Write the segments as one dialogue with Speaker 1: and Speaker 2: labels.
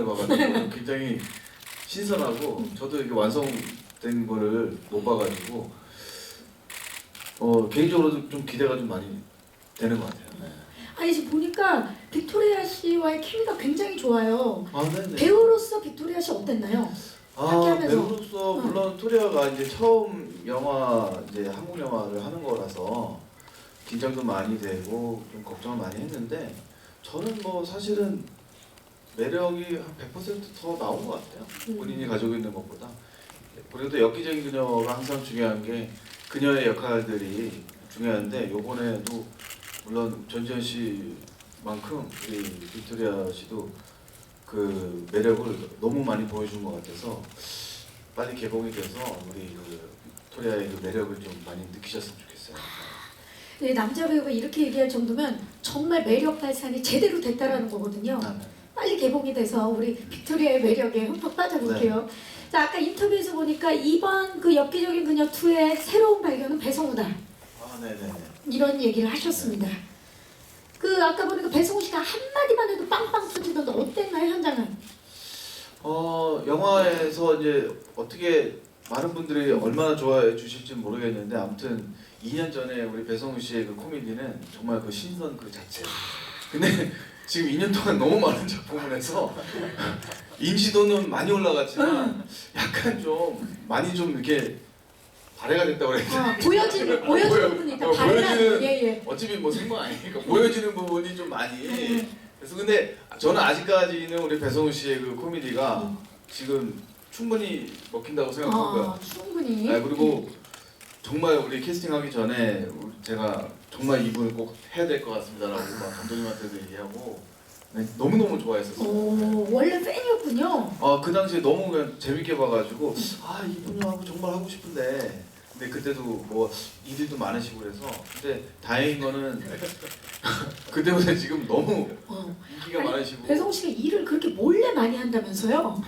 Speaker 1: 오랜만에 봐가지고 굉장히 신선하고 저도 이렇게 완성된 거를 못 봐가지고 개인적으로도 좀 기대가 좀 많이 되는 것 같아요. 네.
Speaker 2: 아니 지금 보니까 빅토리아 씨와의 케미가 굉장히 좋아요.
Speaker 1: 아, 네네.
Speaker 2: 배우로서 빅토리아 씨 어땠나요? 함께하면서.
Speaker 1: 배우로서 물론 토리아가 이제 처음 영화 이제 한국 영화를 하는 거라서 긴장도 많이 되고 좀 걱정을 많이 했는데 저는 뭐 사실은 매력이 한 100%더 나온 것 같아요. 본인이 가지고 있는 것보다. 그래도 엽기적인 그녀가 항상 중요한 게 그녀의 역할들이 중요한데 요번에도 물론 전지현 씨만큼 우리 빅토리아 씨도 그 매력을 너무 많이 보여준 것 같아서 빨리 개봉이 돼서 우리 그 빅토리아의 그 매력을 좀 많이 느끼셨으면 좋겠어요.
Speaker 2: 네, 남자 배우가 이렇게 얘기할 정도면 정말 매력 발산이 제대로 됐다라는 거거든요.
Speaker 1: 네.
Speaker 2: 빨리 개봉이 돼서 우리 빅토리아의 매력에 흠뻑 빠져볼게요. 자, 아까 인터뷰에서 보니까 이번 그 엽기적인 그녀 2의 새로운 발견은 배성우다.
Speaker 1: 네네네.
Speaker 2: 이런 얘기를 하셨습니다. 그 아까 보니까 배성우 씨가 한마디만 해도 빵빵 터지던데 어땠나요, 현장은?
Speaker 1: 영화에서 이제 어떻게 많은 분들이 얼마나 좋아해 주실지 모르겠는데 아무튼 2년 전에 우리 배성우 씨의 그 코미디는 정말 그 신선 그 자체. 근데 지금 2년 동안 너무 많은 작품을 해서 인지도는 많이 올라갔지만 약간 좀 많이 좀 이렇게 발해가 됐다고 그래야 되나?
Speaker 2: 보여지는 부분이니까
Speaker 1: 보여지는
Speaker 2: 예.
Speaker 1: 어차피 뭐 생방 아니니까 보여지는 부분이 좀 많이 그래서 근데 저는 아직까지는 우리 배성우 씨의 그 코미디가 지금 충분히 먹힌다고 생각하고요.
Speaker 2: 충분히.
Speaker 1: 네, 그리고 정말 우리 캐스팅하기 전에 제가 정말 이분을 꼭 해야 될 것 같습니다라고 막 감독님한테도 얘기하고 네, 너무너무 좋아했었어요.
Speaker 2: 오, 원래 팬이었군요.
Speaker 1: 그 당시에 너무 그냥 재밌게 봐가지고 이분하고 정말 하고 싶은데 근데 그때도 뭐 일도 많으시고 그래서 근데 다행인 거는 그때보다 지금 너무 인기가
Speaker 2: 아니,
Speaker 1: 많으시고
Speaker 2: 배성우 씨가 일을 그렇게 몰래 많이 한다면서요?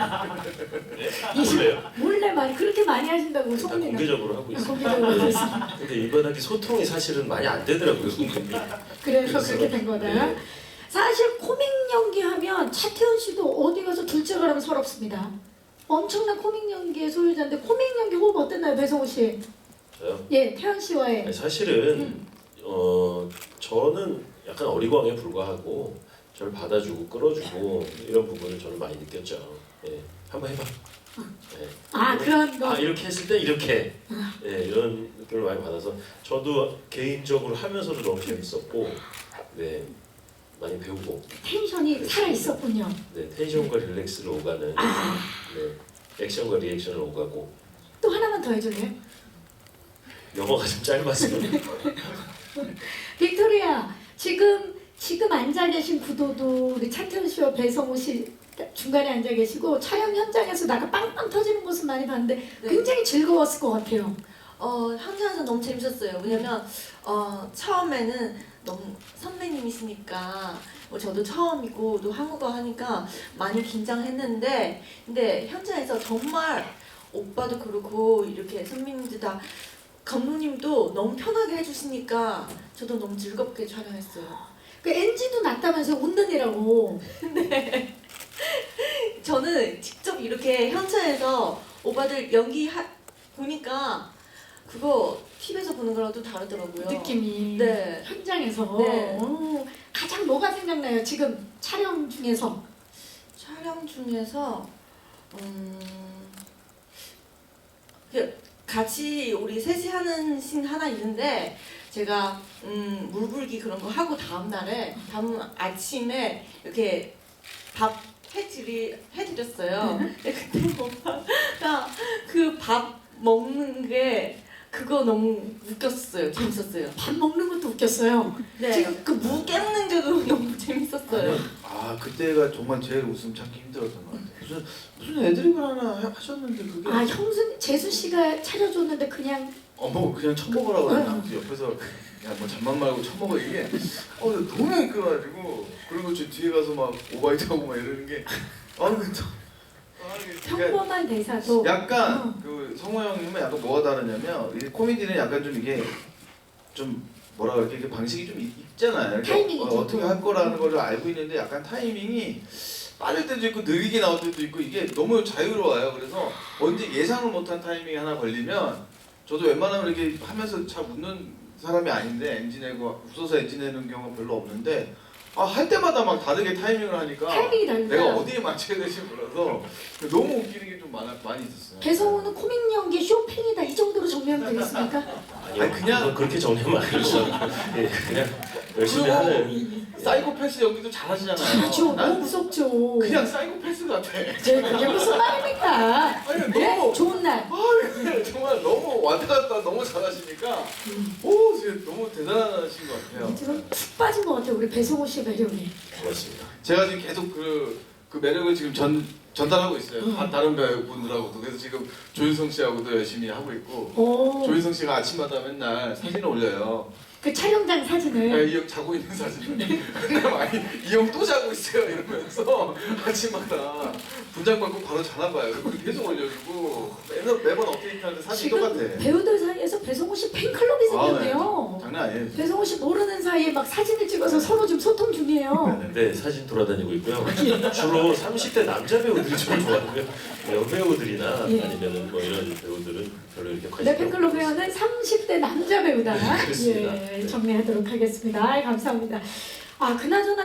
Speaker 2: 몰래 많이 그렇게 많이 하신다고
Speaker 3: 다
Speaker 2: 소문이
Speaker 3: 공개적으로 하고 있어요.
Speaker 2: 공개적으로 하고 있어요.
Speaker 3: 근데 이번하게 소통이 사실은 많이 안 되더라고요. 손님이.
Speaker 2: 그래서 그렇게 된 거다.
Speaker 3: 네.
Speaker 2: 사실 코믹 연기하면 차태현 씨도 어디 가서 둘째 가라면 서럽습니다. 엄청난 코믹 연기의 소유자인데 코믹 연기 호흡 어땠나요, 배성우 씨?
Speaker 3: 저요?
Speaker 2: 예, 태연 씨와의.
Speaker 3: 아니, 사실은 저는 약간 어리광에 불과하고 저를 받아주고 끌어주고 이런 부분을 저는 많이 느꼈죠. 예, 한번 해봐. 예.
Speaker 2: 그런 거.
Speaker 3: 이렇게 했을 때 이렇게 이런 느낌을 많이 받아서 저도 개인적으로 하면서도 너무 재밌었고 네 많이 배우고
Speaker 2: 텐션이 살아 있었군요.
Speaker 3: 네 텐션과 릴렉스를 오가는 네 액션과 리액션을 오가고
Speaker 2: 또 하나만 더 해줄래요?
Speaker 3: 영어가 좀 짧아서
Speaker 2: 빅토리아, 지금 앉아 계신 구도도 우리 차태현 씨와 배성우 씨 중간에 앉아 계시고 촬영 현장에서 나가 빵빵 터지는 모습 많이 봤는데 굉장히 즐거웠을 것 같아요.
Speaker 4: 현장에서 너무 재밌었어요. 왜냐면 처음에는 너무 선배님이시니까 저도 처음이고 또 한국어 하니까 많이 긴장했는데 근데 현장에서 정말 오빠도 그렇고 이렇게 선배님들 다 감독님도 너무 편하게 해주시니까 저도 너무 즐겁게 촬영했어요.
Speaker 2: 그 NG도 났다면서 운전이라고.
Speaker 4: 저는 직접 이렇게 현장에서 오빠들 보니까 그거 TV에서 보는 거랑 또 다르더라고요.
Speaker 2: 느낌이.
Speaker 4: 네.
Speaker 2: 현장에서.
Speaker 4: 네.
Speaker 2: 가장 뭐가 생각나요? 지금 촬영 중에서.
Speaker 4: 촬영 중에서 같이 우리 셋이 하는 씬 하나 있는데 제가 물불기 그런 거 하고 다음 아침에 이렇게 밥 해드렸어요. 근데 그때 오빠가 그 밥 먹는 게 그거 너무 웃겼어요. 재밌었어요.
Speaker 2: 밥 먹는 것도 웃겼어요.
Speaker 4: 네.
Speaker 2: 지금
Speaker 4: 그 무 깨무는 게도 너무 재밌었어요.
Speaker 1: 그때가 정말 제일 웃음 참기 힘들었던 것 같아요. 무슨 애드립을 하나 하셨는데 그게
Speaker 2: 재수 씨가 차려줬는데 그냥
Speaker 1: 뭐 그냥 처먹으라고 그냥 옆에서 야 뭐 잠만 말고 처먹어 이게 너무 웃겨가지고 그리고 저 뒤에 가서 막 오바이트하고 막 이러는 게
Speaker 2: 평범한 대사도
Speaker 1: 약간 그 성호 형님은 약간 뭐가 다르냐면 이 코미디는 약간 좀 이게 좀 뭐라 그럴까 이게 방식이 좀 있잖아요.
Speaker 2: 타이밍이
Speaker 1: 어떻게 할 거라는 걸 알고 있는데 약간 타이밍이 빠를 때도 있고 느리게 나올 때도 있고 이게 너무 자유로워요. 그래서 언제 예상을 못한 타이밍이 하나 걸리면 저도 웬만하면 이렇게 하면서 잘 웃는 사람이 아닌데 엔진 내고 웃어서 엔진 내는 경우가 별로 없는데 할 때마다 막 다르게 타이밍을 하니까
Speaker 2: 타이밍이 다르다.
Speaker 1: 내가 어디에 맞춰야 될지 몰라서 너무 웃기는 게 좀 많이 있었어요.
Speaker 2: 배성우는 코믹 연기 쇼팽이다 이 정도로 정리하면 되겠습니까?
Speaker 3: 아니요,
Speaker 1: 아니, 그냥-
Speaker 3: 그건 그렇게 정리하면 안 되죠. 예, 그냥 열심히 하는.
Speaker 1: 사이코패스 연기도 잘하시잖아요.
Speaker 2: 그렇죠.
Speaker 1: 난
Speaker 2: 너무 무섭죠.
Speaker 1: 그냥 사이코패스 같아.
Speaker 2: 그게 무슨 말입니까?
Speaker 1: 아니
Speaker 2: 네?
Speaker 1: 너무
Speaker 2: 좋은 날.
Speaker 1: 정말 너무 왔다 갔다 너무 잘하시니까 오 진짜 너무 대단하신 것 같아요.
Speaker 2: 지금 푹 빠진 것 같아요. 우리 배성우 씨 매력에.
Speaker 3: 고맙습니다.
Speaker 1: 제가 지금 계속 그 매력을 지금 전달하고 있어요. 다른 배우분들하고도. 그래서 지금 조윤성 씨하고도 열심히 하고 있고
Speaker 2: 오.
Speaker 1: 조윤성 씨가 아침마다 맨날 사진을 올려요.
Speaker 2: 그 촬영장 사진을.
Speaker 1: 이 형 자고 있는 사진을 맨날 많이 이 형 또 자고 있어요 이러면서 아침마다 분장 받고 바로 자나 봐요. 그리고 계속 올려주고 매번 업데이트하는데 사진
Speaker 2: 지금
Speaker 1: 똑같아.
Speaker 2: 배우들 사이에서 배성우 씨 팬클럽이 생겼네요.
Speaker 1: 장난 아니에요.
Speaker 2: 배성우 씨 모르는 사이에 막 사진을 찍어서 서로 좀 소통 중이에요.
Speaker 3: 네, 사진 돌아다니고 있고요. 주로 30대 남자 배우들이 좀 좋아하고요. 여배우들이나
Speaker 2: 예.
Speaker 3: 아니면은 뭐 이런 배우들은 별로 이렇게 관심
Speaker 2: 내 팬클럽 회원은 30대 남자 배우다.
Speaker 3: 그렇습니다.
Speaker 2: 예, 정리하도록 하겠습니다. 감사합니다. 그나저나